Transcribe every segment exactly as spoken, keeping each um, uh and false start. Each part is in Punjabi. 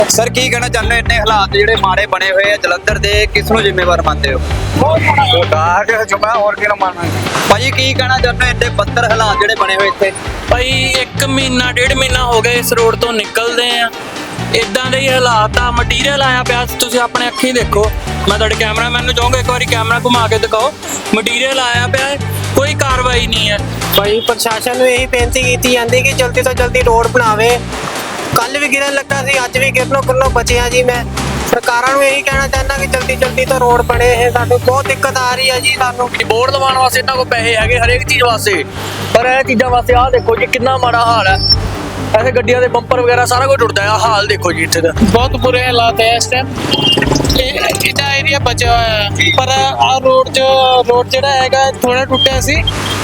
ਸਰ ਕੀ ਕਹਿਣਾ ਚਾਹੁੰਦੇ ਹੋ ਇੰਨੇ ਹਾਲਾਤ ਜਿਹੜੇ ਮਾੜੇ ਬਣੇ ਹੋਏ ਆ ਜਲੰਧਰ ਦੇ, ਕਿਸ ਨੂੰ ਜ਼ਿੰਮੇਵਾਰ ਮੰਨਦੇ ਹੋ? ਸਰਕਾਰ ਦੇ ਜੁਮਾ ਹੋਰ ਕਿਹਨੂੰ ਮੰਨਣਾ। ਭਾਜੀ ਕੀ ਕਹਿਣਾ ਚਾਹੁੰਦੇ ਹੋ ਇੰਨੇ ਬੱਤਰ ਹਾਲਾਤ ਜਿਹੜੇ ਬਣੇ ਹੋਏ ਇੱਥੇ? ਭਾਈ ਇੱਕ ਮਹੀਨਾ ਡੇਢ ਮਹੀਨਾ ਹੋ ਗਿਆ ਇਸ ਰੋਡ ਤੋਂ ਨਿਕਲਦੇ ਆ, ਇਦਾਂ ਦੇ ਹੀ ਹਾਲਾਤ ਆ। ਮਟੀਰੀਅਲ ਆਇਆ ਪਿਆ, ਤੁਸੀਂ ਆਪਣੇ ਅੱਖੀਂ ਦੇਖੋ। ਮੈਂ ਤੁਹਾਡੇ ਕੈਮਰਾਮੈਨ ਨੂੰ ਚਾਹੂੰਗਾ ਇੱਕ ਵਾਰੀ ਕੈਮਰਾ ਘੁਮਾ ਕੇ ਦਿਖਾਓ। ਮਟੀਰੀਅਲ ਆਇਆ ਪਿਆ ਹੈ, ਕੋਈ ਕਾਰਵਾਈ ਨਹੀਂ ਹੈ। ਭਾਈ ਪ੍ਰਸ਼ਾਸਨ ਨੂੰ ਇਹੀ ਬੇਨਤੀ ਕੀਤੀ ਜਾਂਦੀ ਕਿ ਜਲਦੀ ਤੋਂ ਜਲਦੀ ਰੋਡ ਬਣਾਵੇ। ਕੱਲ ਵੀ ਗਿਰਨ ਲੱਗਾ ਸੀ, ਅੱਜ ਵੀ ਗਿਰਨੋਂ ਗਿਰਨੋਂ ਬਚਿਆ ਜੀ। ਮੈਂ ਸਰਕਾਰਾਂ ਨੂੰ ਇਹੀ ਕਹਿਣਾ ਚਾਹੁੰਦਾ ਕਿ ਜਲਦੀ ਜਲਦੀ ਤੋਂ ਰੋਡ ਬਣੇ। ਇਹ ਸਾਨੂੰ ਬਹੁਤ ਦਿੱਕਤ ਆ ਰਹੀ ਹੈ ਜੀ। ਸਾਨੂੰ ਬੋਰਡ ਲਵਾਉਣ ਵਾਸਤੇ ਇਹਨਾਂ ਕੋਲ ਪੈਸੇ ਹੈਗੇ ਹਰੇਕ ਚੀਜ਼ ਵਾਸਤੇ, ਪਰ ਇਹ ਚੀਜ਼ਾਂ ਵਾਸਤੇ ਆਹ ਦੇਖੋ ਜੀ ਕਿੰਨਾ ਮਾੜਾ ਹਾਲ ਹੈ। ਐਸੇ ਗੱਡੀਆਂ ਦੇ ਬੰਪਰ ਵਗੈਰਾ ਸਾਰਾ ਕੁਝ ਟੁੱਟਦਾ ਹੈ। ਹਾਲ ਦੇਖੋ ਜੀ ਇੱਥੇ ਦਾ बहुत बुरे हालात है इस टाइम। ਇਹਦਾ ਏਰੀਆ ਬਚਿਆ ਹੋਇਆ ਹੈ, ਪਰ ਆ ਰੋਡ ਜੋ ਰੋਡ ਜਿਹੜਾ ਹੈਗਾ ਥੋੜਾ ਟੁੱਟਿਆ ਸੀ,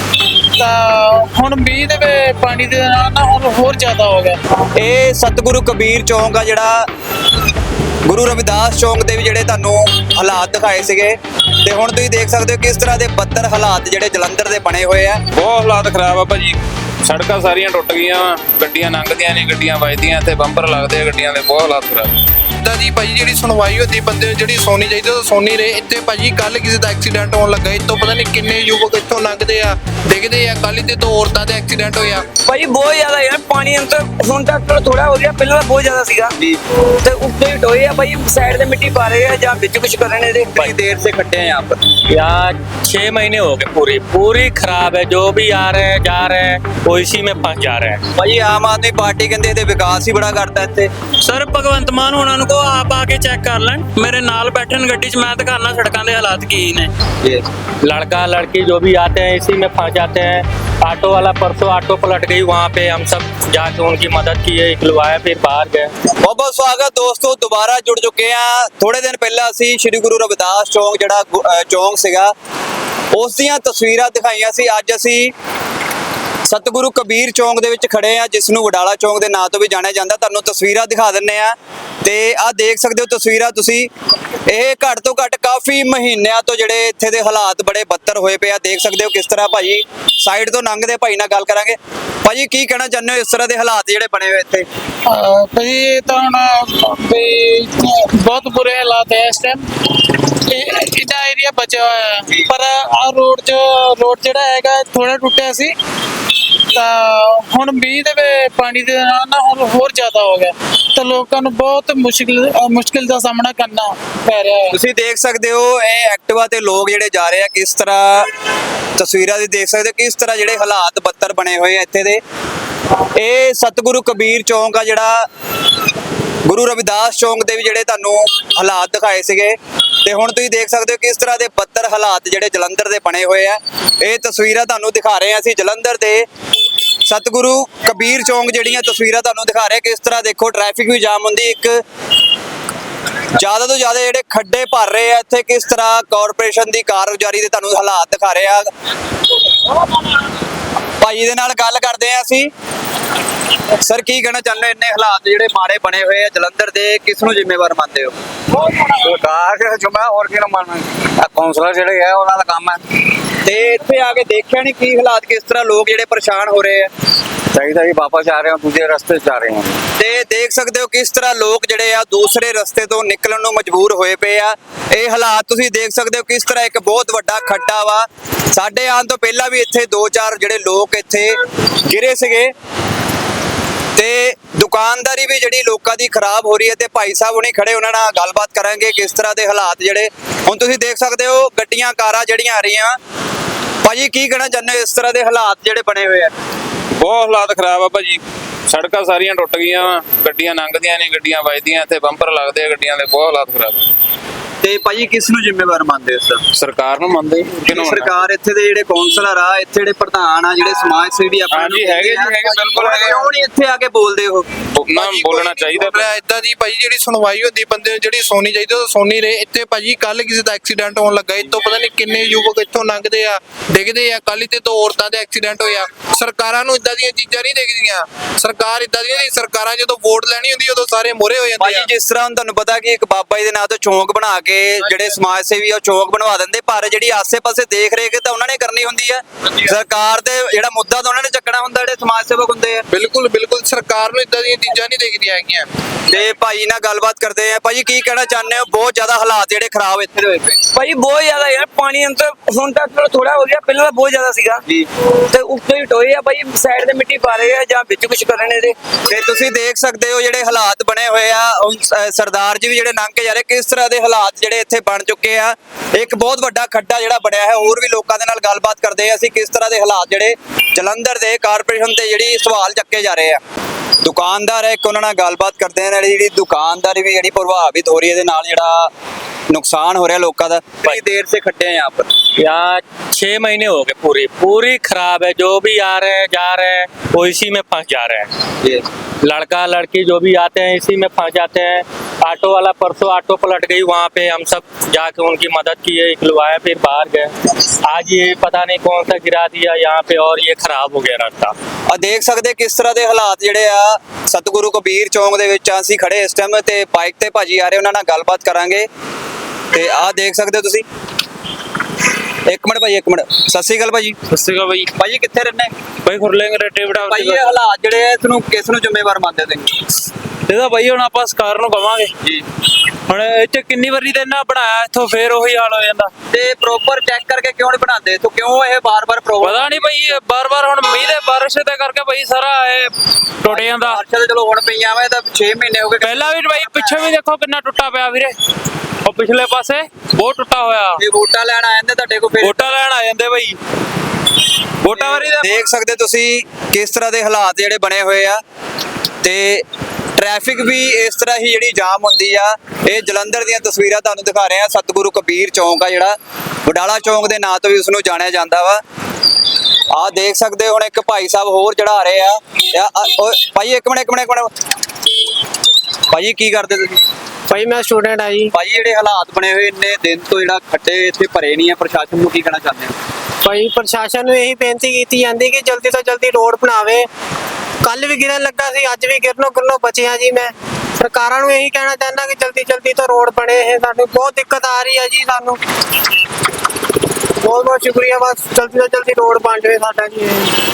ਤਾਂ ਹੁਣ ਮੀਂਹ ਦੇ ਵਿੱਚ ਪਾਣੀ ਦੇ ਨਾਲ ਨਾ ਹੁਣ ਹੋਰ ਜ਼ਿਆਦਾ ਹੋ ਗਿਆ। ਇਹ ਸਤਿਗੁਰੂ ਕਬੀਰ ਚੌਂਕ ਆ ਜਿਹੜਾ ਗੁਰੂ ਰਵਿਦਾਸ ਚੌਂਕ ਦੇ ਵੀ ਜਿਹੜੇ ਤੁਹਾਨੂੰ ਹਾਲਾਤ ਦਿਖਾਏ ਸੀਗੇ, ਤੇ ਹੁਣ ਤੁਸੀਂ ਦੇਖ ਸਕਦੇ ਹੋ ਕਿਸ ਤਰ੍ਹਾਂ ਦੇ ਬੱਤਰ ਹਾਲਾਤ ਜਿਹੜੇ ਜਲੰਧਰ ਦੇ ਬਣੇ ਹੋਏ ਆ। ਬਹੁਤ ਹਾਲਾਤ ਖਰਾਬ ਆ ਭਾਜੀ। ਸੜਕਾਂ ਸਾਰੀਆਂ ਟੁੱਟ ਗਈਆਂ, ਗੱਡੀਆਂ ਲੰਘਦੀਆਂ ਨੇ, ਗੱਡੀਆਂ ਵੱਜਦੀਆਂ ਤੇ ਬੰਪਰ ਲੱਗਦੇ ਆ ਗੱਡੀਆਂ ਦੇ। ਬਹੁਤ ਹਾਲਾਤ ਖਰਾਬ। ਇਦਾਂ ਦੀ ਭਾਜੀ ਜਿਹੜੀ ਸੁਣਵਾਈ ਹੁੰਦੀ ਬੰਦੇ ਨੂੰ ਜਿਹੜੀ ਸੋਨੀ ਚਾਹੀਦੀ ਉਹ ਸੋਨੀ ਰਹੇ। ਇੱਥੇ ਭਾਜੀ ਕੱਲ ਕਿਸੇ ਦਾ ਐਕਸੀਡੈਂਟ ਹੋਣ ਲੱਗਾ, ਇੱਥੋਂ ਪਤਾ ਨਹੀਂ ਕਿੰਨੇ ਯੁਵਕ ਇੱਥੋਂ ਲੰਘਦੇ ਆ ਡਿੱਗਦੇ ਆ। ਕੱਲ ਤੇ ਦੋ ਔਰਤਾਂ ਦਾ ਐਕਸੀਡੈਂਟ ਹੋਇਆ। ਭਾਈ ਬਹੁਤ ਜ਼ਿਆਦਾ ਯਾਰ ਪਾਣੀ ਅੰਦਰ ਹੁਣ ਤੱਕ ਥੋੜਾ ਹੋ ਗਿਆ, ਪਹਿਲਾਂ ਬਹੁਤ ਜ਼ਿਆਦਾ ਸੀਗਾ ਤੇ ਉੱਤੇ ਹੀ ਟੋਏ ਆ ਭਾਈ, ਸਾਈਡ ਤੇ ਮਿੱਟੀ ਪਾ ਰਹੇ ਆ ਜਾਂ ਵਿੱਚ ਕੁਝ ਕਰ ਰਹੇ ਨੇ। कितनी देर से खड्डे हैं यहाँ पर? यहाँ छह महीने हो गए, पूरी पूरी खराब है। जो भी आ रहे हैं जा रहे हैं वो इसी में फंस जा रहे हैं। ਭਾਜੀ ਆਮ ਆਦਮੀ ਪਾਰਟੀ ਕਹਿੰਦੇ ਇਹਦੇ ਵਿਕਾਸ ਹੀ ਬੜਾ ਕਰਤਾ ਇੱਥੇ। ਸਰ ਭਗਵੰਤ ਮਾਨ ਉਹਨਾਂ ਨੂੰ ਕੋ ਆਪ ਆ ਕੇ ਚੈੱਕ ਕਰ ਲੈਣ। ਮੇਰੇ ਨਾਲ ਬੈਠਣ ਗੱਡੀ 'ਚ, ਮੈਂ ਦਿਖਾਣਾ ਸੜਕਾਂ ਦੇ ਹਾਲਾਤ ਕੀ ਨੇ। लड़का लड़की जो भी आते हैं इसी में फंस जाते हैं। ऑटो वाला परसों ऑटो पलट गई, वहाँ पे हम सब जाके उनकी मदद किए, निकलवाए, फिर बाहर गए। ਬਹੁਤ ਬਹੁਤ ਸਵਾਗਤ ਦੋਸਤੋ, ਦੁਬਾਰਾ ਜੁੜ ਚੁੱਕੇ ਆ। ਥੋੜੇ ਦਿਨ ਪਹਿਲਾਂ ਅਸੀਂ ਸ਼੍ਰੀ ਗੁਰੂ ਰਵਿਦਾਸ ਚੌਂਕ ਜਿਹੜਾ ਗੁ- ਅਹ ਚੌਂਕ ਸੀਗਾ ਉਸ ਦੀਆਂ ਤਸਵੀਰਾਂ ਦਿਖਾਈਆਂ ਸੀ। ਅੱਜ ਅਸੀਂ ਸਤਿਗੁਰੂ ਕਬੀਰ ਚੌਂਕ ਦੇ ਵਿੱਚ ਖੜੇ ਆ, ਜਿਸ ਨੂੰ ਵਡਾਲਾ ਚੌਂਕ ਦੇ ਨਾਂ ਤੋਂ ਵੀ ਜਾਣਿਆ ਜਾਂਦਾ। ਤੁਹਾਨੂੰ ਤਸਵੀਰਾਂ ਦਿਖਾ ਦਿੰਨੇ ਆ ਤੇ ਆਹ ਦੇਖ ਸਕਦੇ ਹੋ ਤਸਵੀਰਾਂ ਤੁਸੀਂ। ਇਹ ਘੱਟ ਤੋਂ ਘੱਟ ਕਾਫੀ ਮਹੀਨਿਆਂ ਤੋਂ ਜਿਹੜੇ ਇੱਥੇ ਦੇ ਹਾਲਾਤ ਬੜੇ ਬੱਤਰ ਹੋਏ ਪਏ ਆ। ਦੇਖ ਸਕਦੇ ਹੋ ਕਿਸ ਤਰ੍ਹਾਂ। ਭਾਜੀ ਸਾਈਡ ਤੋਂ ਲੰਘਦੇ ਭਾਈ ਨਾਲ ਗੱਲ ਕਰਾਂਗੇ। ਭਾਜੀ ਕੀ ਕਹਿਣਾ ਚਾਹੁੰਦੇ ਹੋ ਇਸ ਤਰ੍ਹਾਂ ਦੇ ਹਾਲਾਤ ਜਿਹੜੇ ਬਣੇ ਹੋਏ ਇੱਥੇ? ਅਹ ਭਾਜੀ ਇਹ ਤਾਂ ਹੁਣ ਵੀ ਬਹੁਤ ਬੁਰੇ ਹਾਲਾਤ ਹੈ ਇਸ ਟਾਈਮ। ਇਹਦਾ ਏਰੀਆ ਬਚਿਆ ਹੋਇਆ ਹੈ, ਪਰ ਆ ਰੋਡ ਜੋ ਰੋਡ ਜਿਹੜਾ ਹੈਗਾ ਥੋੜਾ ਟੁੱਟਿਆ ਸੀ, ਤਾਂ ਹੁਣ ਮੀਂਹ ਦੇ ਵਿੱਚ ਪਾਣੀ ਦੇ ਨਾਲ ਨਾ ਹੁਣ ਹੋਰ ਜ਼ਿਆਦਾ ਹੋ ਗਿਆ, ਤਾਂ ਲੋਕਾਂ ਨੂੰ ਬਹੁਤ ਮੁਸ਼ਕਿਲ ਮੁਸ਼ਕਿਲ ਦਾ ਸਾਹਮਣਾ ਕਰਨਾ ਪੈ ਰਿਹਾ ਹੈ। ਤੁਸੀਂ ਦੇਖ ਸਕਦੇ ਹੋ ਇਹ ਐਕਟਿਵਾ ਤੇ ਲੋਕ ਜਿਹੜੇ ਜਾ ਰਹੇ ਆ, ਕਿਸ ਤਰ੍ਹਾਂ ਤਸਵੀਰਾਂ ਦੀ ਦੇਖ ਸਕਦੇ ਹੋ ਕਿਸ ਤਰ੍ਹਾਂ ਜਿਹੜੇ ਹਾਲਾਤ ਬੱਤਰ ਬਣੇ ਹੋਏ ਆ ਇੱਥੇ ਦੇ। ਇਹ ਸਤਿਗੁਰੂ ਕਬੀਰ ਚੌਂਕ ਆ ਜਿਹੜਾ ਗੁਰੂ ਰਵਿਦਾਸ ਚੌਂਕ ਦੇ ਵੀ ਜਿਹੜੇ ਤੁਹਾਨੂੰ ਹਾਲਾਤ ਦਿਖਾਏ ਸੀਗੇ, ਤੇ ਹੁਣ ਤੁਸੀਂ ਦੇਖ ਸਕਦੇ ਹੋ ਕਿਸ ਤਰ੍ਹਾਂ ਦੇ ਬੱਤਰ ਹਾਲਾਤ ਜਿਹੜੇ ਜਲੰਧਰ ਦੇ ਬਣੇ ਹੋਏ ਆ। ਇਹ ਤਸਵੀਰਾਂ ਤੁਹਾਨੂੰ ਦਿਖਾ ਰਹੇ ਆ ਅਸੀਂ ਜਲੰਧਰ ਦੇ ਸਤਿਗੁਰੂ ਕਬੀਰ ਚੌਂਕ ਜਿਹੜੀਆਂ ਤਸਵੀਰਾਂ ਤੁਹਾਨੂੰ ਦਿਖਾ ਰਹੇ। ਕਿਸ ਤਰ੍ਹਾਂ ਦੇਖੋ ਟ੍ਰੈਫਿਕ ਵੀ ਜਾਮ ਹੁੰਦੀ, ਇੱਕ ਜ਼ਿਆਦਾ ਤੋਂ ਜ਼ਿਆਦਾ ਜਿਹੜੇ ਖੱਡੇ ਭਰ ਰਹੇ ਆ ਇੱਥੇ। ਕਿਸ ਤਰ੍ਹਾਂ ਕਾਰਪੋਰੇਸ਼ਨ ਦੀ ਕਾਰਗੁਜ਼ਾਰੀ ਦੇ ਤੁਹਾਨੂੰ ਹਾਲਾਤ ਦਿਖਾ ਰਹੇ ਆ। ਭਾਈ ਦੇ ਨਾਲ ਗੱਲ ਕਰਦੇ ਆ ਅਸੀਂ। ਸਰ ਕੀ ਕਹਿਣਾ ਚਾਹੁੰਦੇ ਹੋ ਇੰਨੇ ਹਾਲਾਤ ਜਿਹੜੇ ਮਾੜੇ ਬਣੇ ਹੋਏ ਆ ਜਲੰਧਰ ਦੇ, ਕਿਸ ਨੂੰ ਜ਼ਿੰਮੇਵਾਰ ਮੰਨਦੇ ਹੋ? ਸਰਕਾਰ ਦੇ ਜੁਮਾ ਹੋਰ ਕਿਹਨੂੰ ਮੰਨਣਾ। ਆ ਕੌਂਸਲਰ ਜਿਹੜੇ ਆ ਉਹਨਾਂ ਦਾ ਕੰਮ ਹੈ। ਤੇ ਇੱਥੇ ਆ ਕੇ ਦੇਖਿਆ ਨਹੀਂ ਕੀ ਹਾਲਾਤ, ਕਿਸ ਤਰ੍ਹਾਂ ਲੋਕ ਜਿਹੜੇ ਪਰੇਸ਼ਾਨ ਹੋ ਰਹੇ ਆ? ਚਾਹੀਦਾ ਜੀ ਵਾਪਸ ਆ ਰਹੇ ਹਾਂ, ਦੂਜੇ ਰਸਤੇ 'ਚ ਜਾ ਰਹੇ ਹਾਂ। ਤੇ ਦੇਖ ਸਕਦੇ ਹੋ ਕਿਸ ਤਰ੍ਹਾਂ ਲੋਕ ਜਿਹੜੇ ਆ ਦੂਸਰੇ ਰਸਤੇ ਤੋਂ ਨਿਕਲਣ ਨੂੰ ਮਜਬੂਰ ਹੋਏ ਪਏ ਆ। ਇਹ ਹਾਲਾਤ ਤੁਸੀਂ ਦੇਖ ਸਕਦੇ ਹੋ ਕਿਸ ਤਰ੍ਹਾਂ ਇੱਕ ਬਹੁਤ ਵੱਡਾ ਖੱਡਾ ਵਾ। ਸਾਡੇ ਆਉਣ ਤੋਂ ਪਹਿਲਾਂ ਵੀ ਇੱਥੇ ਦੋ ਚਾਰ ਜਿਹੜੇ ਲੋਕ ਇੱਥੇ ਗਿਰੇ ਸੀਗੇ, ਤੇ ਦੁਕਾਨਦਾਰੀ ਵੀ ਜਿਹੜੀ ਲੋਕਾਂ ਦੀ ਖਰਾਬ ਹੋ ਰਹੀ ਹੈ। ਤੇ ਭਾਈ ਸਾਹਿਬ ਹੁਣੀ ਖੜੇ, ਉਹਨਾਂ ਨਾਲ ਗੱਲਬਾਤ ਕਰਾਂਗੇ ਕਿਸ ਤਰ੍ਹਾਂ ਦੇ ਹਾਲਾਤ ਜਿਹੜੇ ਹੁਣ ਤੁਸੀਂ ਦੇਖ ਸਕਦੇ ਹੋ। ਗੱਡੀਆਂ ਕਾਰਾਂ ਜਿਹੜੀਆਂ ਆ ਰਹੀਆਂ, ਭਾਜੀ ਕੀ ਕਹਿਣਾ ਚਾਹੁੰਦੇ ਹੋ ਇਸ ਤਰ੍ਹਾਂ ਦੇ ਹਾਲਾਤ ਜਿਹੜੇ ਬਣੇ ਹੋਏ ਆ? ਬਹੁਤ ਹਾਲਾਤ ਖਰਾਬ ਆ ਭਾਜੀ। ਸੜਕਾਂ ਸਾਰੀਆਂ ਟੁੱਟ ਗਈਆਂ, ਗੱਡੀਆਂ ਲੰਘਦੀਆਂ ਨੇ, ਗੱਡੀਆਂ ਵੱਜਦੀਆਂ ਤੇ ਬੰਪਰ ਲੱਗਦੇ ਆ ਗੱਡੀਆਂ ਦੇ। ਬਹੁਤ ਹਾਲਾਤ ਖਰਾਬ ਆ। ਤੇ ਭਾਜੀ ਕਿਸ ਨੂੰ ਜ਼ਿੰਮੇਵਾਰ ਮੰਨਦੇ ਹੋ ਸਰ? ਸਰਕਾਰ ਨੂੰ ਮੰਨਦੇ ਕਿਹਨੂੰ? ਸਰਕਾਰ ਇੱਥੇ ਦੇ ਜਿਹੜੇ ਕੌਂਸਲਰ ਆ, ਇੱਥੇ ਜਿਹੜੇ ਪ੍ਰਧਾਨ ਆ, ਜਿਹੜੇ ਸਮਾਜ ਸੇਵੀ ਆਪਣੇ ਹਾਂਜੀ ਹੈਗੇ ਜੀ, ਹੈਗੇ ਬਿਲਕੁਲ ਹੈਗੇ। ਕਿਉਂ ਨਹੀਂ ਇੱਥੇ ਆ ਕੇ ਬੋਲਦੇ ਹੋ? ਨਾ ਬੋਲਣਾ ਚਾਹੀਦਾ। ਇਦਾਂ ਦੀ ਭਾਜੀ ਜਿਹੜੀ ਸੁਣਵਾਈ ਹੁੰਦੀ ਬੰਦੇ ਨੂੰ ਜਿਹੜੀ ਸੋਨੀ ਚਾਹੀਦੀ ਉਹ ਸੋਨੀ ਰਹੇ। ਇੱਥੇ ਭਾਜੀ ਕੱਲ ਕਿਸੇ ਦਾ ਐਕਸੀਡੈਂਟ ਹੋਣ ਲੱਗਾ, ਇੱਥੋਂ ਪਤਾ ਨਹੀਂ ਕਿੰਨੇ ਯੁਵਕ ਇੱਥੋਂ ਲੰਘਦੇ ਆ ਡਿੱਗਦੇ ਆ। ਕੱਲ ਤੇ ਦੋ ਔਰਤਾਂ ਦਾ ਐਕਸੀਡੈਂਟ ਹੋਇਆ। ਸਰਕਾਰਾਂ ਨੂੰ ਇਦਾਂ ਦੀਆਂ ਚੀਜ਼ਾਂ ਨਹੀਂ ਦੇਖਦੀਆਂ। ਸਰਕਾਰ ਇਦਾਂ ਦੀਆਂ ਨਹੀਂ, ਸਰਕਾਰਾਂ ਜਦੋਂ ਵੋਟ ਲੈਣੀ ਹੁੰਦੀ ਉਦੋਂ ਸਾਰੇ ਮੋਰੇ ਹੋ ਜਾਂਦੇ ਭਾਜੀ ਆ। ਜਿਸ ਤਰ੍ਹਾਂ ਹੁਣ ਤੁਹਾਨੂੰ ਪਤਾ ਕਿ ਇੱਕ ਬਾਬਾ ਜੀ ਦੇ ਨਾਂ ਤੋਂ ਚੌਂਕ ਬਣਾ ਕੇ ਜਿਹੜੇ ਸਮਾਜ ਸੇਵੀ ਆ ਉਹ ਚੌਕ ਬਣਵਾ ਦਿੰਦੇ, ਪਰ ਜਿਹੜੀ ਆਸੇ-ਪਾਸੇ ਦੇਖ ਰੇਖ ਤਾਂ ਉਹਨਾਂ ਨੇ ਕਰਨੀ ਹੁੰਦੀ ਆ। ਸਰਕਾਰ ਦੇ ਜਿਹੜਾ ਮੁੱਦਾ ਤਾਂ ਉਹਨਾਂ ਨੇ ਚੱਕਣਾ ਹੁੰਦਾ, ਜਿਹੜੇ ਸਮਾਜ ਸੇਵਕ ਹੁੰਦੇ ਆ। ਬਿਲਕੁਲ ਬਿਲਕੁਲ ਸਰਕਾਰ ਨੂੰ ਇਦਾਂ ਦੀਆਂ ਚੀਜ਼ਾਂ ਨਹੀਂ ਦੇਖਦੀਆਂ ਹੈਗੀਆਂ। ਤੇ ਭਾਈ ਨਾਲ ਗੱਲਬਾਤ ਕਰਦੇ ਆ। ਭਾਜੀ ਕੀ ਕਹਿਣਾ ਚਾਹੁੰਦੇ ਹੋ? ਬਹੁਤ ਜ਼ਿਆਦਾ ਹਾਲਾਤ ਜਿਹੜੇ ਖਰਾਬ ਇੱਥੇ ਦੇ ਹੋਏ ਪਏ। ਭਾਈ ਬਹੁਤ ਜ਼ਿਆਦਾ ਯਾਰ ਪਾਣੀ ਅੰਦਰ ਹੁਣ ਤੱਕ ਥੋੜਾ ਹੋ ਗਿਆ, ਪਹਿਲਾਂ ਤਾਂ ਬਹੁਤ ਜ਼ਿਆਦਾ ਸੀਗਾ ਜੀ। ਤੇ ਉੱਤੇ ਹੀ ਟੋਏ ਆ ਭਾਈ, ਸਾਈਡ ਤੇ ਮਿੱਟੀ ਪਾ ਰਹੇ ਆ ਜਾਂ ਵਿੱਚ ਕੁਝ ਕਰ ਰਹੇ ਨੇ ਇਹਦੇ। ਤੇ ਤੁਸੀਂ ਦੇਖ ਸਕਦੇ ਹੋ ਜਿਹੜੇ ਹਾਲਾਤ ਬਣੇ ਹੋਏ ਆ। ਹੁਣ ਸ- ਸਰਦਾਰ ਜੀ ਵੀ ਜਿਹੜੇ ਲੰਘ ਕੇ ਜਾ ਰਹੇ, ਕਿਸ ਤਰ੍ਹਾਂ ਦੇ ਹਾਲਾਤ ਜਿਹੜੇ ਇੱਥੇ ਬਣ ਚੁੱਕੇ ਆ। ਇੱਕ ਬਹੁਤ ਵੱਡਾ ਖੱਡਾ ਜਿਹੜਾ ਬਣਿਆ ਹੈ। ਹੋਰ ਵੀ ਲੋਕਾਂ ਦੇ ਨਾਲ ਗੱਲਬਾਤ ਕਰਦੇ ਆ ਅਸੀਂ, ਕਿਸ ਤਰ੍ਹਾਂ ਦੇ ਹਾਲਾਤ ਜਿਹੜੇ ਜਲੰਧਰ ਦੇ ਕਾਰਪੋਰੇਸ਼ਨ ਤੇ ਜਿਹੜੀ ਸਵਾਲ ਚੱਕੇ ਜਾ ਰਹੇ ਆ। ਦੁਕਾਨਦਾਰ ਹੈ ਇੱਕ, ਉਹਨਾਂ ਨਾਲ ਗੱਲਬਾਤ ਕਰਦੇ ਆ। ਨਾਲੇ ਜਿਹੜੀ ਦੁਕਾਨਦਾਰੀ ਵੀ ਜਿਹੜੀ ਪ੍ਰਭਾਵਿਤ ਹੋ ਰਹੀ ਹੈ ਇਹਦੇ ਨਾਲ, ਜਿਹੜਾ नुकसान हो रहा है लोगों का। कितनी देर से खड्डे हैं यहाँ पर? यहाँ छह महीने हो गए, पूरी पूरी खराब है। जो भी आ रहे हैं जा रहे हैं वो इसी में फंस जा रहे हैं। ये लड़का लड़की जो भी आते हैं इसी में फंस जाते हैं। ऑटो वाला परसों ऑटो पलट गई, वहाँ पे हम सब जाके उनकी मदद किए, निकलवाए, फिर बाहर गए। आज ये पता नहीं कौन सा गिरा दिया यहाँ पे और ये खराब हो गया रास्ता। ਆ ਦੇਖ ਸਕਦੇ ਕਿਸ ਤਰ੍ਹਾਂ ਦੇ ਹਾਲਾਤ ਜਿਹੜੇ ਆ ਸਤਿਗੁਰੂ ਕਬੀਰ ਚੌਂਕ ਦੇ ਵਿੱਚ ਅਸੀਂ ਖੜੇ ਇਸ ਟਾਈਮ, ਤੇ ਬਾਈਕ ਤੇ ਭਾਜੀ ਆ ਰਹੇ, ਉਹਨਾਂ ਨਾਲ ਗੱਲਬਾਤ ਕਰਾਂਗੇ। ਤੇ ਆਹ ਦੇਖ ਸਕਦੇ ਹੋ ਤੁਸੀਂ। ਇੱਕ ਮਿੰਟ ਭਾਈ, ਇੱਕ ਮਿੰਟ। ਸਤਿ ਸ਼੍ਰੀ ਅਕਾਲ ਭਾਜੀ। सत श्रीकाल भाई। ਭਾਜੀ ਕਿੱਥੇ ਰਹਿੰਦੇ? भाई खुरलेंगे रेटे बिठा ਭਾਈ ਇਹ ਹਾਲਾਤ ਜਿਹੜੇ ਆ ਤੁਹਾਨੂੰ ਕਿਸ ਨੂੰ ਜ਼ਿੰਮੇਵਾਰ ਮੰਨਦੇ ਤੁਸੀਂ? ਇਹਦਾ ਭਾਈ ਹੁਣ ਆਪਾਂ ਸਰਕਾਰ ਨੂੰ ਕਵਾਂਗੇ। ਜੀ। ਹੁਣ ਇੱਥੇ ਕਿੰਨੀ ਵਾਰੀ ਤੇ ਇਹਨਾਂ ਬਣਾਇਆ, ਇੱਥੋਂ ਫੇਰ ਉਹੀ ਹਾਲ ਹੋ ਜਾਂਦਾ। ਤੇ ਪ੍ਰੋਪਰ ਚੈੱਕ ਕਰਕੇ ਕਿਉਂ ਨਹੀਂ ਬਣਾਉਂਦੇ ਇੱਥੋਂ? ਕਿਉਂ ਇਹ ਬਾਰ-ਬਾਰ ਪ੍ਰੋਬਲਮ? ਪਤਾ ਨਹੀਂ ਭਾਈ, ਬਾਰ ਬਾਰ ਹੁਣ ਮੀਂਹ ਦੇ ਬਾਰਿਸ਼ ਦੇ ਕਰਕੇ ਭਾਈ ਸਾਰਾ ਇਹ ਟੁੱਟ ਜਾਂਦਾ। ਬਾਰਿਸ਼ਾਂ ਤਾਂ ਚਲੋ ਹੁਣ ਪਈਆਂ ਵਾ, ਇਹ ਤਾਂ ਛੇ ਮਹੀਨੇ ਹੋ ਗਏ। ਪਹਿਲਾਂ ਵੀ ਭਾਈ ਪਿੱਛੇ ਵੀ ਦੇਖੋ ਕਿੰਨਾ ਟੁੱਟਾ ਪਿਆ ਵੀਰੇ, ਉਹ ਪਿਛਲੇ ਪਾਸੇ ਬਹੁਤ ਟੁੱਟਾ ਹੋਇਆ। ਇਹ ਵੋਟਾਂ ਲੈਣ ਆ ਜਾਂਦੇ ਤੁਹਾਡੇ ਕੋਲ, ਫਿਰ ਵੋਟਾਂ ਲੈਣ ਆ ਜਾਂਦੇ ਭਾਈ। ਵੋਟਾਂ ਵਾਰੀ ਦਾ ਦੇਖ ਸਕਦੇ ਤੁਸੀਂ ਕਿਸ ਤਰ੍ਹਾਂ ਦੇ ਹਾਲਾਤ ਜਿਹੜੇ ਬਣੇ ਹੋਏ ਆ। ਤੇ ਟ੍ਰੈਫਿਕ ਵੀ ਇਸ ਤਰ੍ਹਾਂ ਹੀ ਜਿਹੜੀ ਜਾਮ ਹੁੰਦੀ ਆ। ਇਹ ਜਲੰਧਰ ਦੀਆਂ ਤਸਵੀਰਾਂ ਤੁਹਾਨੂੰ ਦਿਖਾ ਰਹੇ ਆ। ਸਤਿਗੁਰੂ ਕਬੀਰ ਚੌਂਕ ਆ ਜਿਹੜਾ, ਵਡਾਲਾ ਚੌਂਕ ਦੇ ਨਾਂ ਤੋਂ ਵੀ ਉਸ ਨੂੰ ਜਾਣਿਆ ਜਾਂਦਾ ਵਾ। ਆਹ ਦੇਖ ਸਕਦੇ ਹੋ। ਹੁਣ ਇੱਕ ਭਾਈ ਸਾਹਿਬ ਹੋਰ ਚੜਾ ਰਹੇ ਆ। ਆ- ਆ- ਓਏ ਭਾਈ ਇੱਕ ਮਿੰਟ, ਇੱਕ ਮਿੰਟ, ਇੱਕ ਮਿੰਟ। ਭਾਜੀ ਕੀ ਕਰਦੇ ਤੁਸੀਂ? ਭਾਈ ਮੈਂ ਸਟੂਡੈਂਟ ਆ ਜੀ। ਭਾਜੀ ਜਿਹੜੇ ਹਾਲਾਤ ਬਣੇ ਹੋਏ ਇੰਨੇ ਦਿਨ ਤੋਂ, ਜਿਹੜਾ ਖੱਡੇ ਇੱਥੇ ਭਰੇ ਨਹੀਂ ਆ, ਪ੍ਰਸ਼ਾਸਨ ਨੂੰ ਕੀ ਕਹਿਣਾ ਚਾਹੁੰਦੇ ਹੋ? ਭਾਈ ਪ੍ਰਸ਼ਾਸਨ ਨੂੰ ਇਹੀ ਬੇਨਤੀ ਕੀਤੀ ਜਾਂਦੀ ਕਿ ਜਲਦੀ ਤੋਂ ਜਲਦੀ ਰੋਡ ਬਣਾਵੇ। ਕੱਲ ਵੀ ਗਿਰਨ ਲੱਗਾ ਸੀ, ਅੱਜ ਵੀ ਗਿਰਨੋਂ ਗਿਰਨੋਂ ਬਚਿਆ ਜੀ। ਮੈਂ ਸਰਕਾਰਾਂ ਨੂੰ ਇਹੀ ਕਹਿਣਾ ਚਾਹੁੰਦਾ ਕਿ ਜਲਦੀ ਜਲਦੀ ਤੋਂ ਰੋਡ ਬਣੇ। ਇਹ ਸਾਨੂੰ ਬਹੁਤ ਦਿੱਕਤ ਆ ਰਹੀ ਹੈ ਜੀ। ਸਾਨੂੰ ਬਹੁਤ ਬਹੁਤ ਸ਼ੁਕਰੀਆ, ਬਸ ਜਲਦੀ ਤੋਂ ਜਲਦੀ ਰੋਡ ਬਣ ਜਾਵੇ ਸਾਡਾ ਜੀ।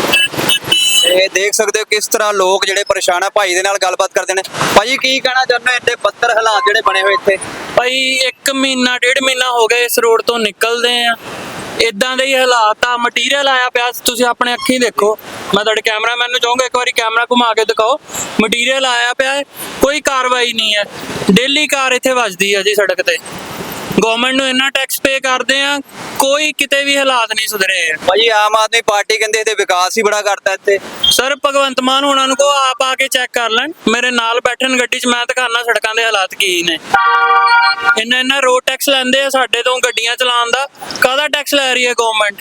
ਇਹ ਦੇਖ ਸਕਦੇ ਹੋ ਕਿਸ ਤਰ੍ਹਾਂ ਲੋਕ ਜਿਹੜੇ ਪਰੇਸ਼ਾਨ ਆ। ਭਾਈ ਦੇ ਨਾਲ ਗੱਲਬਾਤ ਕਰਦੇ ਨੇ। ਭਾਜੀ ਕੀ ਕਹਿਣਾ ਚਾਹੁੰਦੇ ਹੋ? ਇੰਨੇ ਬੱਤਰ ਹਾਲਾਤ ਜਿਹੜੇ ਬਣੇ ਹੋਏ ਇੱਥੇ। ਭਾਈ ਇੱਕ ਮਹੀਨਾ ਡੇਢ ਮਹੀਨਾ ਹੋ ਗਿਆ ਇਸ ਰੋਡ ਤੋਂ ਨਿਕਲਦੇ ਆ, ਇਦਾਂ ਦੇ ਹੀ ਹਾਲਾਤ ਆ। ਮਟੀਰੀਅਲ ਆਇਆ ਪਿਆ, ਤੁਸੀਂ ਆਪਣੇ ਅੱਖੀਂ ਦੇਖੋ। ਮੈਂ ਤੁਹਾਡੇ ਕੈਮਰਾਮੈਨ ਨੂੰ ਚਾਹੂੰਗਾ ਇੱਕ ਵਾਰੀ ਕੈਮਰਾ ਘੁਮਾ ਕੇ ਦਿਖਾਓ। ਮਟੀਰੀਅਲ ਆਇਆ ਪਿਆ ਹੈ, ਕੋਈ ਕਾਰਵਾਈ ਨਹੀਂ ਹੈ। ਡੇਲੀ ਕਾਰ ਇੱਥੇ ਵੱਜਦੀ ਹੈ ਜੀ ਸੜਕ ਤੇ। ਗਵਰਨਮੈਂਟ ਨੂੰ ਇੰਨਾ ਟੈਕਸ ਪੇ ਕਰਦੇ ਆ, ਕੋਈ ਕਿਤੇ ਵੀ ਹਾਲਾਤ ਨਹੀਂ ਸੁਧਰੇ। ਭਾਜੀ ਆਮ ਆਦਮੀ ਪਾਰਟੀ ਕਹਿੰਦੇ ਇਹਦੇ ਵਿਕਾਸ ਹੀ ਬੜਾ ਕਰਤਾ ਇੱਥੇ। ਸਰ ਭਗਵੰਤ ਮਾਨ ਉਹਨਾਂ ਨੂੰ ਕੋ ਆਪ ਆ ਕੇ ਚੈੱਕ ਕਰ ਲੈਣ। ਮੇਰੇ ਨਾਲ ਬੈਠਣ ਗੱਡੀ 'ਚ, ਮੈਂ ਦਿਖਾਣਾ ਸੜਕਾਂ ਦੇ ਹਾਲਾਤ ਕੀ ਨੇ। ਇੰਨਾ ਇੰਨਾ ਰੋਡ ਟੈਕਸ ਲੈਂਦੇ ਆ ਸਾਡੇ ਤੋਂ ਗੱਡੀਆਂ ਚਲਾਉਣ ਦਾ। ਕਾਹਦਾ ਟੈਕਸ ਲੈ ਰਹੀ ਹੈ ਗਵਰਨਮੈਂਟ?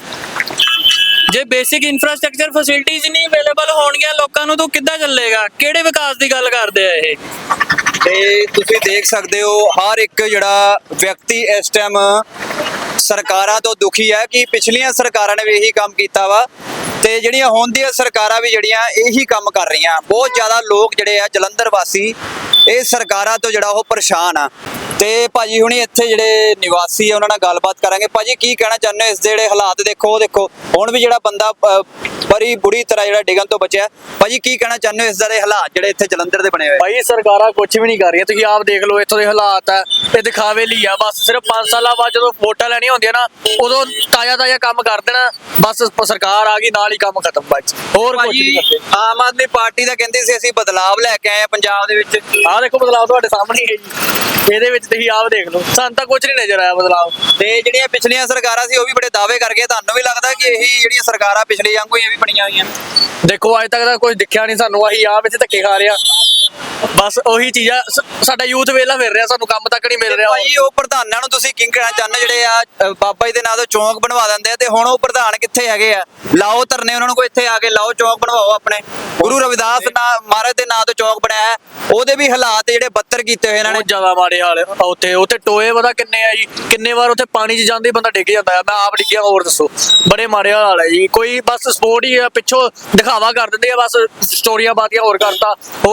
ਜੇ ਬੇਸਿਕ ਇਨਫਰਾਸਟ੍ਰਕਚਰ ਫੈਸਿਲਿਟੀਜ਼ ਨਹੀਂ ਅਵੇਲੇਬਲ ਹੋਣਗੀਆਂ ਲੋਕਾਂ ਨੂੰ ਤਾਂ ਕਿੱਦਾਂ ਚੱਲੇਗਾ? ਕਿਹੜੇ ਵਿਕਾਸ ਦੀ ਗੱਲ ਕਰਦੇ ਆ ਇਹ? ਤੇ ਤੁਸੀਂ ਦੇਖ ਸਕਦੇ ਹੋ ਹਰ ਇੱਕ ਜਿਹੜਾ ਵਿਅਕਤੀ ਇਸ ਟਾਈਮ ਸਰਕਾਰਾਂ ਤੋਂ ਦੁਖੀ ਹੈ ਕਿ ਪਿਛਲੀਆਂ ਸਰਕਾਰਾਂ ਨੇ ਵੀ ਇਹੀ ਕੰਮ ਕੀਤਾ ਵਾ, ਤੇ ਜਿਹੜੀਆਂ ਹੁਣ ਦੀਆਂ ਸਰਕਾਰਾਂ ਵੀ ਜਿਹੜੀਆਂ ਇਹੀ ਕੰਮ ਕਰ ਰਹੀਆਂ। ਬਹੁਤ ਜ਼ਿਆਦਾ ਲੋਕ ਜਿਹੜੇ ਆ ਜਲੰਧਰ ਵਾਸੀ ਇਹ ਸਰਕਾਰਾਂ ਤੋਂ ਜਿਹੜਾ ਉਹ ਪਰੇਸ਼ਾਨ ਆ। ਤੇ ਭਾਜੀ ਹੁਣੀ ਇੱਥੇ ਜਿਹੜੇ ਨਿਵਾਸੀ ਆ ਉਹਨਾਂ ਨਾਲ ਗੱਲਬਾਤ ਕਰਾਂਗੇ। ਭਾਜੀ ਕੀ ਕਹਿਣਾ ਚਾਹੁੰਦੇ ਹੋ? ਇਸ ਦੇ ਜਿਹੜੇ ਹਾਲਾਤ ਦੇਖੋ, ਉਹ ਦੇਖੋ ਹੁਣ ਵੀ ਜਿਹੜਾ ਬੰਦਾ ਅਹ, ਬੜੀ ਬੁਰੀ ਤਰ੍ਹਾਂ ਜਿਹੜਾ ਡਿੱਗਣ ਤੋਂ ਬਚਿਆ। ਭਾਜੀ ਕੀ ਕਹਿਣਾ ਚਾਹੁੰਦੇ ਹੋ ਇਸ ਦੇ ਹਾਲਾਤ ਜਿਹੜੇ ਇੱਥੇ ਜਲੰਧਰ ਦੇ ਬਣੇ ਹੋਏ? ਭਾਈ ਸਰਕਾਰਾਂ ਕੁਝ ਵੀ ਨਹੀਂ ਕਰ ਰਹੀਆਂ। ਤੁਸੀਂ ਆਪ ਦੇਖ ਲਓ ਇੱਥੋਂ ਦੇ ਹਾਲਾਤ ਆ, ਇਹ ਦਿਖਾਵੇ ਲਈ ਆ ਬਸ। ਸਿਰਫ ਪੰਜ ਸਾਲਾਂ ਬਾਅਦ ਜਦੋਂ ਵੋਟਾਂ ਲੈਣੀਆਂ ਹੁੰਦੀਆਂ ਨਾ, ਉਦੋਂ ਤਾਜ਼ਾ ਤਾਜ਼ਾ ਕੰਮ ਕਰ ਦੇਣਾ ਬਸ। ਸਰਕਾਰ ਆ ਗਈ ਨਾਲ ਹੀ ਕੰਮ ਖਤਮ ਬਸ, ਹੋਰ ਕੁਝ ਨਹੀਂ ਕਰਦੇ। ਆਮ ਆਦਮੀ ਪਾਰਟੀ ਦਾ ਕਹਿੰਦੇ ਸੀ ਅਸੀਂ ਬਦਲਾਵ ਲੈ ਕੇ ਆਏ ਆ ਪੰਜਾਬ ਦੇ ਵਿੱਚ। ਆਹ ਦੇਖੋ ਬਦਲਾਅ ਤੁਹਾਡੇ ਸਾਹਮਣੇ ਹੀ ਹੈ ਜੀ। ਇਹਦੇ ਵਿੱਚ ਤੁਸੀਂ ਆਪ ਦੇਖ ਲਓ, ਸਾਨੂੰ ਤਾਂ ਕੁਝ ਨਹੀਂ ਨਜ਼ਰ ਆਇਆ ਬਦਲਾਅ। ਤੇ ਜਿਹੜੀਆਂ ਪਿਛਲੀਆਂ ਸਰਕਾਰਾਂ ਸੀ ਉਹ ਵੀ ਬੜੇ ਦਾਅਵੇ ਕਰ ਗਏ। ਤੁਹਾਨੂੰ ਵੀ ਲੱਗਦਾ ਕਿ ਇਹੀ ਜਿਹੜੀਆਂ ਸਰਕਾਰਾਂ ਪਿਛਲੇ ਵਾਂਗੂ ਹੀ ਇਹ ਵੀ ਬਣੀਆਂ ਹੋਈਆਂ? ਦੇਖੋ ਅੱਜ ਤੱਕ ਤਾਂ ਕੁਝ ਦਿਖਿਆ ਨਹੀਂ ਸਾਨੂੰ। ਅਸੀਂ ਆਪ ਵਿੱਚ ਧੱਕੇ ਖਾ ਰਿਹਾ ਬਸ। ਉਹੀ ਚੀਜ਼ਾਂ ਸਾਡਾ ਯੂਥ ਵੇਲਾ ਫਿਰ ਰਿਹਾ, ਸਾਨੂੰ ਕੰਮ ਤੱਕ ਨਹੀਂ ਮਿਲ ਰਿਹਾ। ਭਾਈ ਉਹ ਪ੍ਰਧਾਨਾਂ ਨੂੰ ਤੁਸੀਂ ਕੀ ਕਹਿਣਾ ਚਾਹੁੰਦੇ ਜਿਹੜੇ ਆ ਅ, ਬਾਬਾ ਜੀ ਦੇ ਨਾਂ ਤੋਂ ਚੌਂਕ ਬਣਵਾ ਦਿੰਦੇ ਆ, ਤੇ ਹੁਣ ਉਹ ਪ੍ਰਧਾਨ ਕਿੱਥੇ ਹੈਗੇ ਆ? ਲਾਓ ਧਰਨੇ ਉਹਨਾਂ ਨੂੰ, ਕੋਈ ਇੱਥੇ ਆ ਕੇ ਲਾਓ, ਚੌਂਕ ਬਣਵਾਓ ਆਪਣੇ। ਗੁਰੂ ਰਵਿਦਾਸ ਨਾ ਮਹਾਰਾਜ ਦੇ ਨਾਂ ਤੋਂ ਚੌਂਕ ਬਣਾਇਆ, ਉਹਦੇ ਵੀ ਹਾਲਾਤ ਜਿਹੜੇ ਬੱਤਰ ਕੀਤੇ ਹੋਏ ਇਹਨਾਂ ਨੇ। ਬਹੁਤ ਜ਼ਿਆਦਾ ਮਾੜੇ ਹਾਲ ਆ ਉੱਥੇ। ਉੱਥੇ ਟੋਏ ਪਤਾ ਕਿੰਨੇ ਆ ਜੀ, ਕਿੰਨੇ ਵਾਰ ਉੱਥੇ ਪਾਣੀ 'ਚ ਜਾਂਦੇ ਬੰਦਾ ਡਿੱਗ ਜਾਂਦਾ ਆ। ਮੈਂ ਆਪ ਡਿੱਗਿਆ, ਹੋਰ ਦੱਸੋ। ਬੜੇ ਮਾੜੇ ਹਾਲ ਹੈ ਜੀ। ਕੋਈ ਬਸ ਸਪੋਰਟ ਹੀ ਆ, ਪਿੱਛੋਂ ਦਿਖਾਵਾ ਕਰ ਦਿੰਦੇ ਆ ਬਸ, ਸਟੋਰੀਆਂ ਬਾਤੀਆਂ ਹੋਰ ਕਰਤਾ, ਹੋਰ ਕੁਛ ਨਹੀਂ।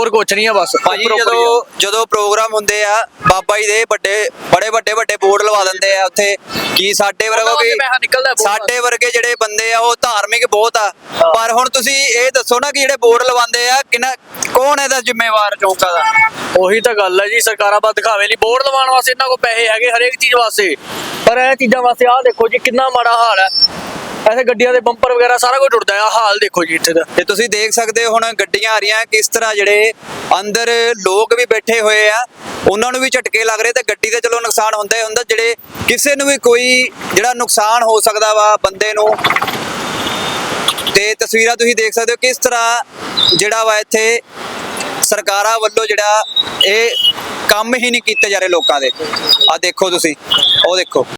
ਆ ਬਸ ਭਾਜੀ ਉੱਪਰੋਂ ਉੱਪਰ ਹੀ ਆ। ਜਦੋਂ ਜਦੋਂ ਪ੍ਰੋਗਰਾਮ ਹੁੰਦੇ ਆ ਬਾਬਾ ਜੀ ਦੇ ਵੱਡੇ ਬੜੇ ਵੱਡੇ ਵੱਡੇ ਬੋਰਡ ਲਵਾ ਦਿੰਦੇ ਆ ਉੱਥੇ ਕੀ ਸਾਡੇ ਵਰਗੋ ਉਹਨਾਂ ਕੀ ਵਾਸਤੇ ਪੈਸਾ ਨਿਕਲਦਾ ਬਹੁਤ। ਸਾਡੇ ਵਰਗੇ ਜਿਹੜੇ ਬੰਦੇ ਆ ਉਹ ਧਾਰਮਿਕ ਬਹੁਤ ਆ ਪਰ ਹੁਣ ਤੁਸੀਂ ਇਹ ਦੱਸੋ ਨਾ ਕਿ ਜਿਹੜੇ ਬੋਰਡ ਲਵਾਉਂਦੇ ਆ ਕਿੰਨਾ ਕੌਣ ਇਹਦਾ ਜ਼ਿੰਮੇਵਾਰ ਚੌਂਕਾ ਦਾ? ਉਹੀ ਤਾਂ ਗੱਲ ਹੈ ਜੀ, ਸਰਕਾਰਾਂ ਬਸ ਦਿਖਾਵੇ ਲਈ ਬੋਰਡ ਲਵਾਉਣ ਵਾਸਤੇ ਇਹਨਾਂ ਕੋਲ ਪੈਸੇ ਹੈਗੇ ਹਰੇਕ ਚੀਜ਼ ਵਾਸਤੇ, ਪਰ ਇਹ ਚੀਜ਼ਾਂ ਵਾਸਤੇ ਆਹ ਦੇਖੋ ਜੀ ਕਿੰਨਾ ਮਾੜਾ ਹਾਲ ਹੈ। ਐਸੇ ਗੱਡੀਆਂ ਦੇ ਬੰਪਰ ਵਗੈਰਾ ਸਾਰਾ ਕੁਝ ਟੁੱਟਦਾ ਹੈ, ਆਹ ਹਾਲ ਦੇਖੋ ਜੀ ਇੱਥੇ ਦਾ। ਤੇ ਤੁਸੀਂ ਦੇਖ ਸਕਦੇ ਹੋ ਹੁਣ ਗੱਡੀਆਂ ਆ ਰਹੀਆਂ ਕਿਸ ਤਰ੍ਹਾਂ ਜਿਹੜੇ ਅੰਦਰ ਲੋਕ ਵੀ ਬੈਠੇ ਹੋਏ ਆ ਉਹਨਾਂ ਨੂੰ ਵੀ ਝਟਕੇ ਲੱਗ ਰਹੇ ਤੇ ਗੱਡੀ ਤੇ ਚਲੋ ਨੁਕਸਾਨ ਹੁੰਦਾ ਹੀ ਹੁੰਦਾ, ਜਿਹੜੇ ਕਿਸੇ ਨੂੰ ਵੀ ਕੋਈ ਜਿਹੜਾ ਨੁਕਸਾਨ ਹੋ ਸਕਦਾ ਵਾ ਬੰਦੇ ਨੂੰ। ਤੇ ਤਸਵੀਰਾਂ ਤੁਸੀਂ ਦੇਖ ਸਕਦੇ ਹੋ ਕਿਸ ਤਰ੍ਹਾਂ ਜਿਹੜਾ ਵਾ ਇੱਥੇ ਸਰਕਾਰਾਂ ਵੱਲੋਂ ਜਿਹੜਾ ਇਹ ਕੰਮ ਹੀ ਨਹੀਂ ਕੀਤੇ ਜਾ ਰਹੇ ਲੋਕਾਂ ਦੇ। ਆ ਦੇਖੋ ਤੁਸੀਂ, ਉਹ ਦੇਖੋ।